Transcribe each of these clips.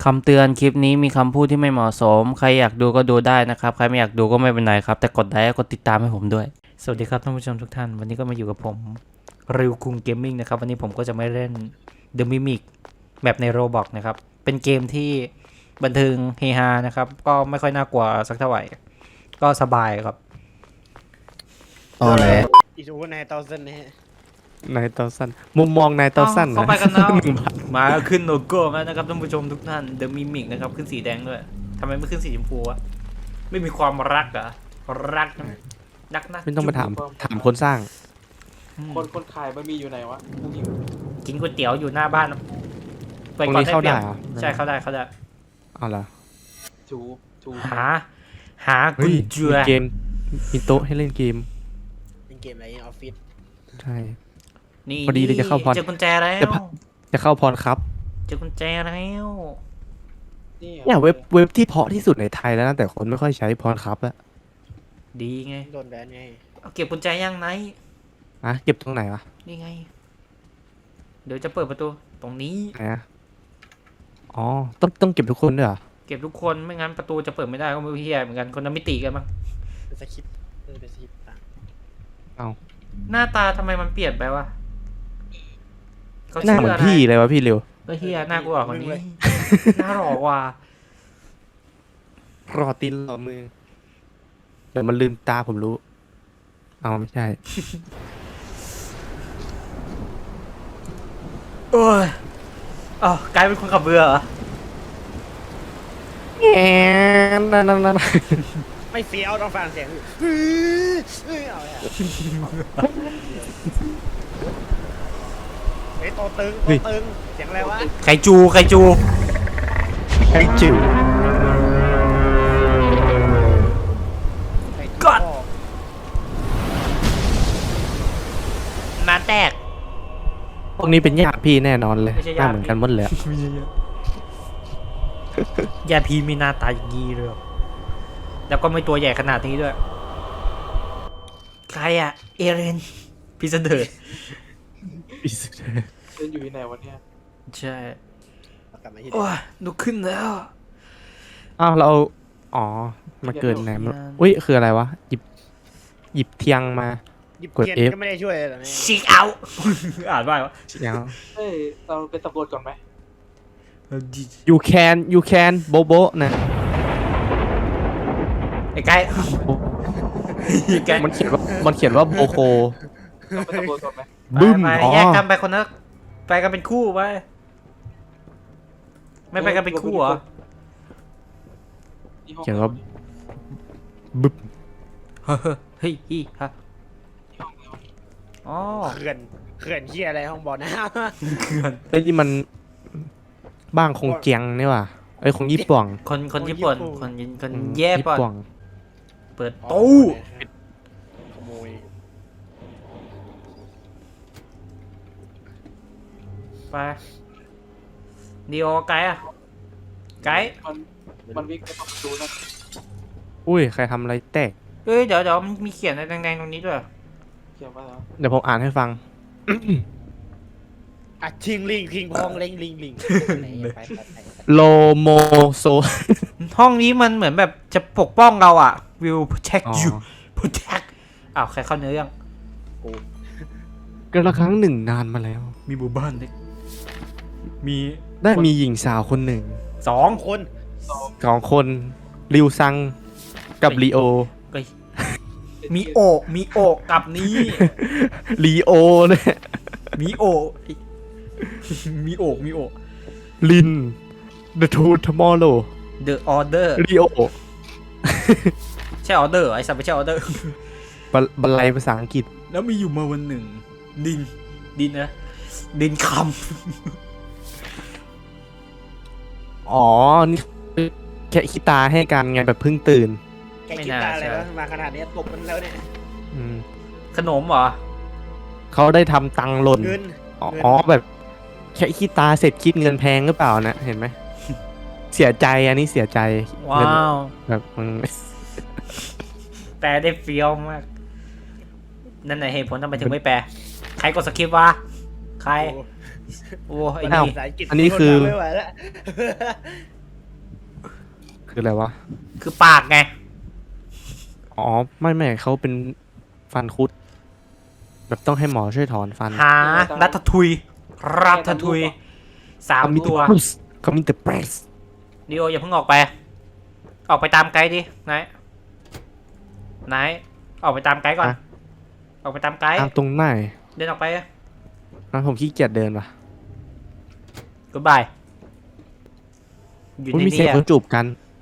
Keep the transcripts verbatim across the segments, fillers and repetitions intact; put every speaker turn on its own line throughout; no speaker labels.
ำเตือนคลิปนี้มีคำพูดที่ไม่เหมาะสมใครอยากดูก็ดูได้นะครับใครไม่อยากดูก็ไม่เป็นไรครับแต่กดไลค์กดติดตามให้ผมด้วยสวัสดีครับท่านผู้ชมทุกท่านวันนี้ก็มาอยู่กับผมริวคุงเกมมิ่งนะครับวันนี้ผมก็จะไม่เล่น The Mimic แบบใน Roblox นะครับเป็นเกมที่บันเทิงเฮฮานะครับก็ไม่ค่อยน่ากลัวสักเท่าไหร่ก็สบายครับ
อ๋อเลย
อีซูนายเตาเซนนะฮะ
นายเตาสั้นมุมมองนายเตาสั้น
เข้าไปกันแล้วมาขึ้นโลโก้แล้วนะครับท่านผู้ชมทุกท่าน The Mimic นะครับขึ้นสีแดงด้วยทำไมไม่ขึ้นสีชมพูวะไม่มีความรักเหรอรักนะรักนะ
ไม่ต้องไปถามถามคนสร้าง
คนคนขายบะหมี่อยู่ไหนวะกูหิว
กินก๋วยเตี๋ยวอยู่หน้าบ้าน
ตรงนี้เข้าได้เหรอ
ใช่เข้าได้เข้าได้
เอาล่ะ
จูจู
หา หา
เฮ้
กุ
ย
ญเจือ
มีเกมมีโต๊ะให้เล่นเกม
เป็นเกมอะไรในออฟฟิศ
ใช่
นี่
พอดีเลยจะเข้าพร
เจอกุญแจแล้ว
จะพะ จะเข้าพรครับ
เจอกุญแจแล้ว
นี่
เนี่ยเว็บเว็บที่เพาะที่สุดในไทยแล้วนะแต่คนไม่ค่อยใช้พรครับอะ
ดีไง
โดนแบนไง
เอาเก็บกุญแจยังไหน
อะเก็บตรงไหนวะ
นี่ไง เดี๋ยวจะเปิดประตูตรงนี้
ไหนอะอ๋อต้องต้องเก็บทุกคนด้วยเหรอ
เก็บทุกคนไม่งั้นประตูจะเปิดไม่ได้ก็ไม่รู้เฮียเหมือนกันคนละมิติกันมั้ง
เป็นสคริปต์เออเป็นสคริปต์ต่าง
เอา
หน้าตาทำไมมันเปลี่ยนไปวะเขา
หน้า
ชื่
เหมื
อ
อน
อะไร
พี่เลยวะพี่เร็ว
ก็เฮียหน้ากูออกคนนี้ หน้าหล่อกว่า
รอตีนรอมือเดี๋ยวมันลืมตาผมรู้เอาไม่ใช่
โอ้ยอ้าวกลายเป็นคนขับเรือเหรอ
แอนนั่นนั่นนั่น
ไม่เฟี้ยวต้องฟังเสียงเฮ้ยเฮ้ยเอาเลยเฮ้ยโตตึงโตตึงเสียงอะไรวะ
ไคจูไคจู
ไอ้จิ๋ว
ก่อนมาแตก
พวกนี้เป็นญาติพี่แน่นอนเลย
ไม่ใช่
ห
ญา
น้า
ติ
เหมือนกันหมดเลยอะ
ยาพีมีหน้าตาอย่างนี้เลยแล้วก็ไม่ตัวใหญ่ขนาดนี้ด้วย ใครอะเอเรนพิสเดอร์
เล่นอยู่ที่ไหนวันเนี้ย
ใช่
กลับมาที่เดิ
โอ้
ม
ยลุกขึ้นแล้ว
อ้าวเราเอาอ๋อ มาเกิดไหนมันอุ้ย คืออะไรวะ หยิบ หยิบเทียงมา
หยิบ
กด
เทียน
F
ก็ไม่ได้ช่วยเลยเหรอเนี่ย
ชิกเอา อ่านว่าไงวะ
เดี๋ยว
เฮ้ยเราไปสำรวจก่อนไหม
you can you can โบโบนะ
ไอ้ไก่ไอ้ไก่
มันเขียนว่า มันเขียนว่าโบโค
เราไปสำรวจก่อนไหม
บึ้ม
ไป
อ๋อ
แยกกันไปคนละไปกันเป็นคู่ไปไม่ไปกันเป็นคู่เหรอ
ที่ห้อง
เขียนว่าบึ้ม
เฮ้ยฮีฮะอ๋อ
เขื่อนเขื่อนเฮียอะไรห้องบ่อน้
เขื่อน
ไอ้ยนี่มันบ้างคงเจียงนี่ว่ะไอ้ยคงญี่ปุ่ง
คนคนญี่ปุ่นคนยินคน
อืม
แย่
ญี่
ป่ะ
ปุ่ง
เปิด
ำ
ตู้
ขโมย
ไปดีโอไกด์อะไกด์
มันมันวิ่งไปประตูนะ
อุ้ย ใครทำอะไรแตก
เอ้ยเดี๋ยวเดี๋ยวมันมีเขียนอะไรแดงๆตรงนี้ด้วย
เขียนว่าแล้ว
เดี๋ยวผมอ่านให้ฟัง
อ่ะทิงลิงทิงพองเล็งลิงลิงไปไปไป
โลโมโซ
ห้องนี้มันเหมือนแบบจะปกป้องเราอ่ะ will protect
อ๋อ
you protect อ้าวใครเข้าเนื้อยัง
ก็ละครั้งหนึ่งนานมาแล้ว
มีหมู่บ้านเล็กมี
ได้มีหญิงสาวคนหนึ่ง
สอง
คน
สองคนริวซังกับลีโอ
เอ้ยมีโอะมีโอะกับนี้
ลีโอเนี่ย
มีโอะมีโอะมีโอะ
ลิน The Two Tomorrow
the order
ลีโอ
ใช่ออเดอร์ไอ้สัตว์ไม่ใช่ออเดอร์
บรบรรลัยภาษาอังกฤษ
แล้วมีอยู่มาวันหนึ่ง ดิน ดินนะ ดินค
อ๋อ นี่แค่คิดตาให้กันไงแบบเพิ่งตื่น
แกคิดตาอะไรวะมาขนาดนี้ตบมันแล้วเนี่ย
อืม
ำขนมเหรอ
เขาได้ทำตังค์หล่น
เงิน
อ๋ออ๋อแบบแค่คิดตาเสร็จคิดเงินแพงหรือเปล่านะ เห็นไหม เสียใจอันนี้เสียใจ
ว้า
เงิน
ว
แบบมัน
แปลได้เฟี้ยวมาก นั่นไหนเหตุผลทำไมถึงไม่แปล ใครกดสคริปต์วะ ใคร โอ้ไอ้
อ้าว
นี่
ภาษาอังกฤษ
อันนี้คือ
ไม่ไหวแล้ว
คืออะไรวะ
คือปากไง
อ๋อไม่ไม่เขาเป็นฟันคุด แบบต้องให้หมอช่วยถอนฟัน
หารัตทุยรัตทุยสามตัว
เขามีแต่เปรส
ดิโออย่าเพิ่งออกไป ออกไปตามไกด์ดินายนายออกไปตามไกด์ก่อน ออกไปตามไกด์
ตามตรงไหน
เดินออกไป
อ่ะผมขี้เกียจเดินว่ะ
กูบายอยู่
อุ๊ย
ใน
มีเสีย
นี้
งคนจูบกัน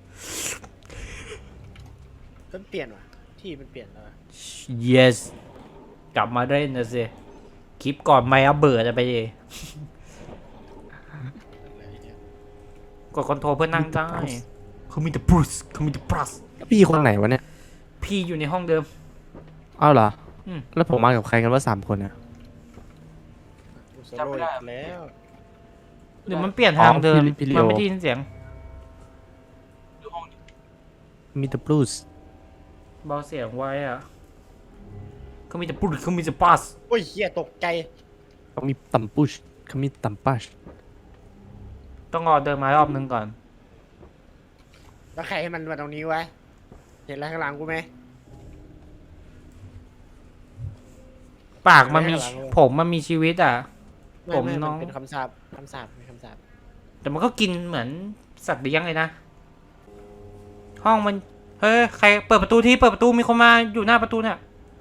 มันเปลี่ยนว่ะที่มันเปลี่ยนแล้ว
yes กลับมาได้นะสิคลิปก่อนไม่เอาเบื่อจะไปดิกดคอนโทรลเพื่อนั่งได้เขามีแต่บรูซเขามีแต่บรัส
พี่คนไหนวะเนี่ย
พี่อยู่ในห้องเดิม
อ้าวเหรอ
อืม
แล้วผมมากับใครกันว่าสามคนเนี่ย
กูโซโล่อีกแล้ว
หรือมันเปลี่ยนทางเดิม
อ๋อพี่ลิ
มัน
โอ
ไม่ได้ยินเสียง
ดูห้องนี้
มีแต่บลูส์
เบาเสียงไว้อะเขามีแต่บรูซเขามีแต่บรัส
โอ้ยเฮียตกใจ
เขามีตัมปุชเขามีตัมปัช
ต้องรอเดินมารอบนึงก่อน
แล้วใครให้มันมาตรงนี้วะเห็นอะไรข้างหลังกูไหม
ปากมันมี
ไม่ให้หลังเลย
ผมมันมีชีวิตอ่ะ
ไไ
ผมน้อง
เป็นคำสาปคำสาปเป็นคำสาป
แต่มันก็กินเหมือนสัตว์เลี้ยงเลยนะ ห้องมัน เฮ้ย ใครเปิดประตูที่เปิดประตูมีคนมาอยู่หน้าประตูเนี่ย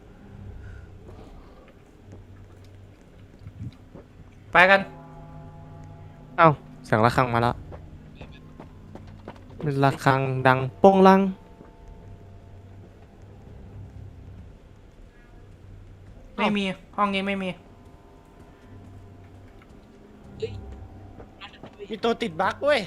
ไปกัน
เอ้าเสียงระฆังมาแล้วระฆังดังโป้งลัง
ไม่มี ห้องนี้ไม่มี
มีตัวติดบั๊กเว้ย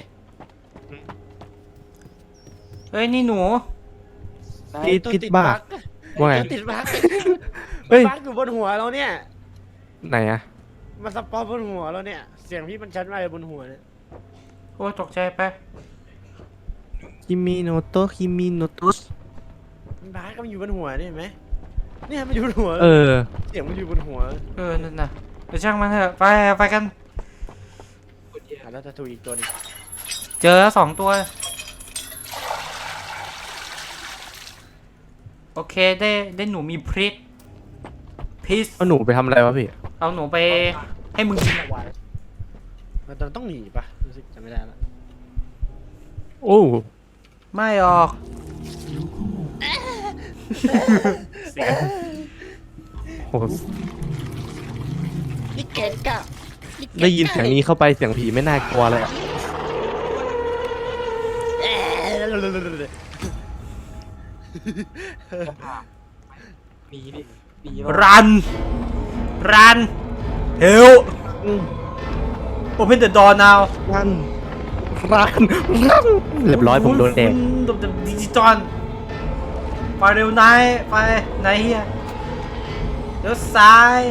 เฮ้ย นี่หนู
นาย
ติด
ตัว
ติด
ติด
บ้า
บั๊ก
ว่าไง
ตัวติดบั๊ก
เฮ้ย
บั๊กอยู่บนหัวเราเนี่ย
ไหนอะ
มันสปอนบนหัวเราเนี่ย เสียงพี่มันชัดมากเลยบนหัวเนี่ย
โอ้ยตกใจไป
คิมิโนโตะคิมิโนโตะ
มันบั๊กก็มันอยู่บนหัวเนี่ยเห็นไหมเนี่ยมันอยู่บนหัว
เออ
เสียงมันอยู่บนหัว
เออ นั่นน่ะเดี๋ยวช่างมันเถอะ ไป ไปกัน
กดเหี้ย
อ่ะแล้วจะถูกอีกตัวหนึง
เจอแล้วสองตัว โอเค ได้ ได้หนูมีพริกพิส
เอาหนูไปทำอะไรวะพี่
เอาหนูไปให้มึงกิน
มันต้องหนีปะรู้สึกจำไม่ได้แล้ว
โอ้
ไม่ออก เสียง
โห
นี่เก่งกะ
ได้ยินเสียงนี้เข้าไปเสียงผีไม่น่ากลัวเลยอะ
เอ๊ะ
จะผ่าหนีดิหนีเรา
รัน รัน เฮล open the door now
รันรันรันเรียบร้อยผมโดนแดก
โดนดิจิตอลไปเร็วนายไปไหนเฮียเดี๋ยวซ้าย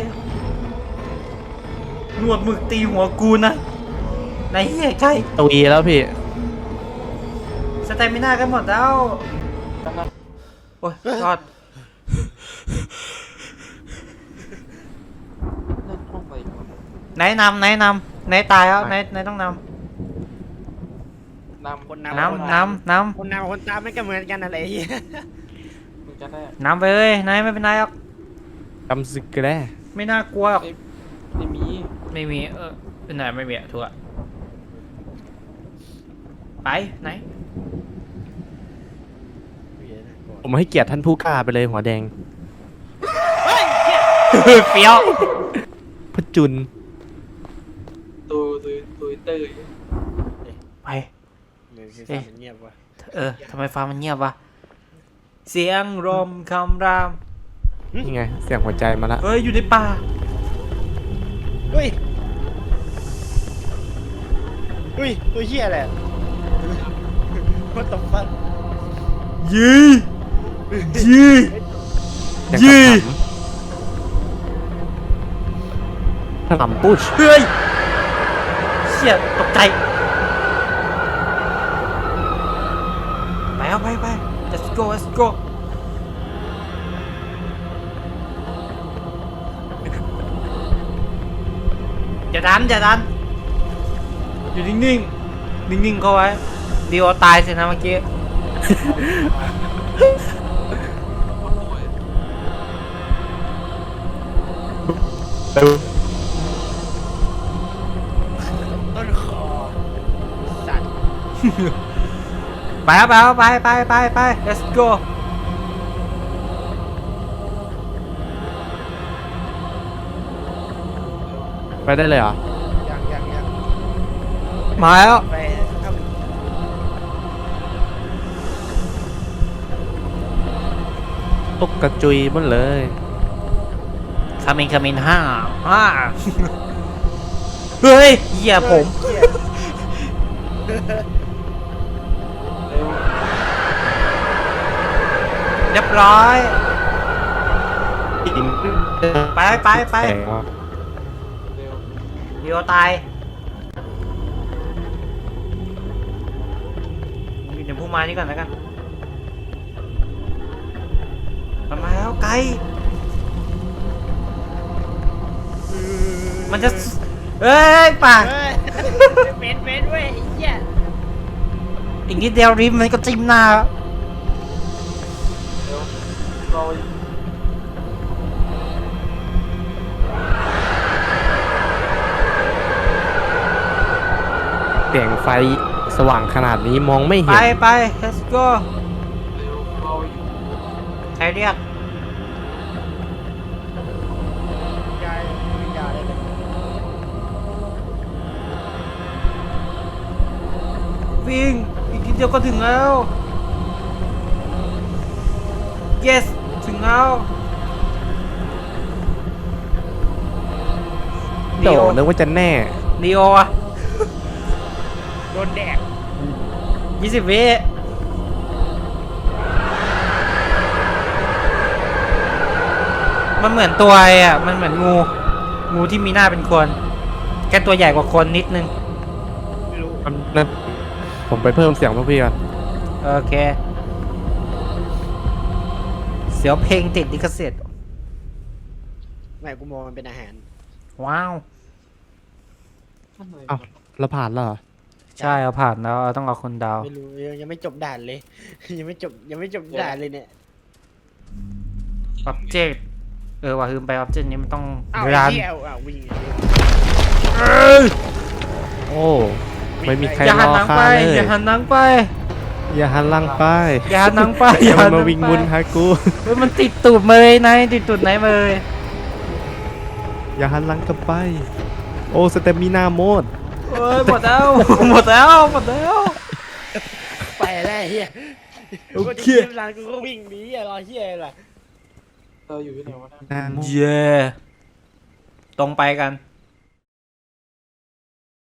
หนวดหมึกตีหัวกูนะไหนเฮียใช่
ตุยแล้วพี่
สเตมิน่ากันหมดแล้ว
ตั้งนั้น
โอ้ยรอด
นั่นห้องอะไรวะ
ไหนนำไหนนำไหนตายแล้วไหนไหนต้องน
นำ
คน
ำ
นำ
นำนำน
คนนำกับคนตามไม่ก็เหมือนกันอะไรเหี้ย
มึงจะได้
ำนำไปเลยนายไม่เป็นไรหรอก
กำซึกแร่
ไม่น่ากลัวหรอก
ไม่มี
ไม่มีเออเป็นไหนไม่มีอะทัวร์ไปไหน
ผมให้เกียรติท่านผู้กล้าไปเลยหัวแดง
เฟี้ยว
พจุน
ตัวตัวตัวเตอร์
ไป
เหมือนซีซั่นมันเงียบว่ะ
เออทำไมฟ้ามันเงียบวะเสียงลมคำราม
นี่ไง เสียงหัวใจมาละ
เฮ้ยอยู่ในป่า
เฮ้ยเฮ้ยตัวเหี้ยแหละ What the fuck
ยียี
เสียง
ยี่
ขนำปุช
เฮ้ยเชี่ยตกใจไปเอาไปไป let's go let's go อย่าดันอย่าดันอยู่นิ่งๆนิ่งๆเข้าไว้ดีโอตายสินะเมื่อกี้
ต้นคอสัตว์
ไปครับไปครับไปไปไปไป let's go
ไปได้เลยเหรอ
ยังยังยัง
มาแล้ว
ไปท
ตกกระจุยหมดเลย
คามินคามินห้าห้าเฮ้ยเหี้ย
ำ
ผม
เหี้ย
เรียบร้อย ไปไปไป
แข็งว่ะ
เดียวตายอยู่ในพุ่มไม้นี่ก่อนแล้วกันมันมาแล้วไกลมันจะเอ้ยป่า
เฮ้ยเม้นเม้นเว้ยไอ้เหี้ย
อีกนิดเดียวริมมันก็จิ้มหน้า
เรา
แสงไฟสว่างขนาดนี้มองไม่
ไป
เห็น
ไป let's go
เร็วเรา
ใครเรียก
ยายยายได้เลย
วิ่งอีกนิดเดียวก็ถึงแล้ว yes ถึงแล้ว
โดนึกว่าจะแน่
ดีโออะ
โดนแดก
ยี่สิบวิมันเหมือนตัวไอ้อะมันเหมือนงู งูที่มีหน้าเป็นคน แค่ตัวใหญ่กว่าคนนิดนึง
ไม่รู้
นั่นผมไปเพิ่มเสียงพวกพี่ก่อน
โอเค เสียวเพลงติดลิขสิทธิ์
ไม่กูมองมันเป็นอาหาร
ว้าว
อ้าวเราผ่านแล้วเหรอ
ใช่เอาผ่านแล้วเอาต้องเอาคนดาว
ไม่รู้ยังยังไม่จบด่านเลย ยังไม่จบยังไม่จบด่านเลยเนี่ย
ออบเจกต์เออว่าคือไปออบเจกต์นี้มันต้อง
อ้าว
รั
ไอ้
น
เหี้ยอ้าววิ่ง
โอ้ไม่มีใคร
อย่าร หัน
อ
หนัง
ข้า
ไป
เลย
อย่าหันหนังไป
อย่าหันหลังไป
อย่าหันหนังไป
อย่ามัน
หั
มาวิ่ง
ห
มุ
ไป
นหากู
เฮ้ยมันติดตูดมาเลยนายติดตูดไหนมาเลย
อย่าหันหลังกลับไป โอ้สเตมินาโหมด
เอ้ยหมดแล้ว หมดแล้วหมดแล้ว
ไปแล้วไอ้เหี้ย
โอ
กู
เค
จะเกมร้านกูก็วิ่งหนีอะรอเหี้ยอะไรล่ะ
เราอยู่ที่ไหนวะเนี่ย
นาโมด
เย่ตรงไปกัน